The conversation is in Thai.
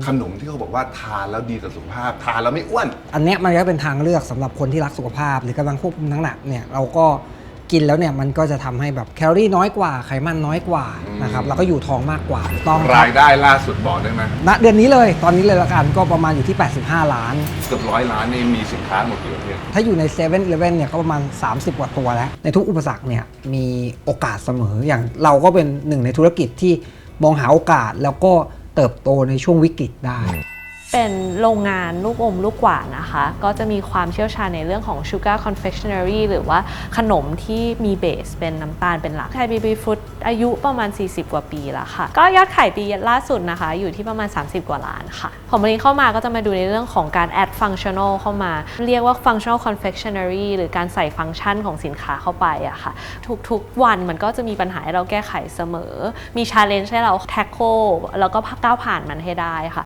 ขนมที่เขาบอกว่าทานแล้วดีต่อสุขภาพทานแล้วไม่อ้วนอันนี้มันก็เป็นทางเลือกสำหรับคนที่รักสุขภาพหรือกำลังควบคุมน้ำหนักเนี่ยเราก็กินแล้วเนี่ยมันก็จะทำให้แบบแคลอรี่น้อยกว่าไขมันน้อยกว่านะครับแล้วก็อยู่ท้องมากกว่าต้องรายได้ล่าสุดบอกได้ไหมณเดือนนี้เลยตอนนี้เลยละกันก็ประมาณอยู่ที่85 ล้านเกือบ100 ล้านนี่มีสินค้าหมดกี่ประเภทถ้าอยู่ใน7 e เ e ่ e เนี่ยก็ประมาณ30 กว่าตัวแล้วในทุกอุปสรรคเนี่ยมีโอกาสเสมออย่างเราก็เป็นหนึ่งในธุรกิจที่มองหาโอกาสแล้วก็เติบโตในช่วงวิกฤตได้เป็นโรงงานลูกอมลูกหวานนะคะก็จะมีความเชี่ยวชาญในเรื่องของ Sugar Confectionery หรือว่าขนมที่มีเบสเป็นน้ำตาลเป็นหลักไทยบีบีฟู้ดอายุประมาณ40 กว่าปีแล้วค่ะก็ยอดขายปีล่าสุดนะคะอยู่ที่ประมาณ30 กว่าล้านค่ะผมวันนี้เข้ามาก็จะมาดูในเรื่องของการ add functional เข้ามาเรียกว่า functional confectionery หรือการใส่ฟังก์ชันของสินค้าเข้าไปอะค่ะทุกๆวันมันก็จะมีปัญหาให้เราแก้ไขเสมอมี challenge ให้เรา tackle แล้วก็ก้าวผ่านมันให้ได้ค่ะ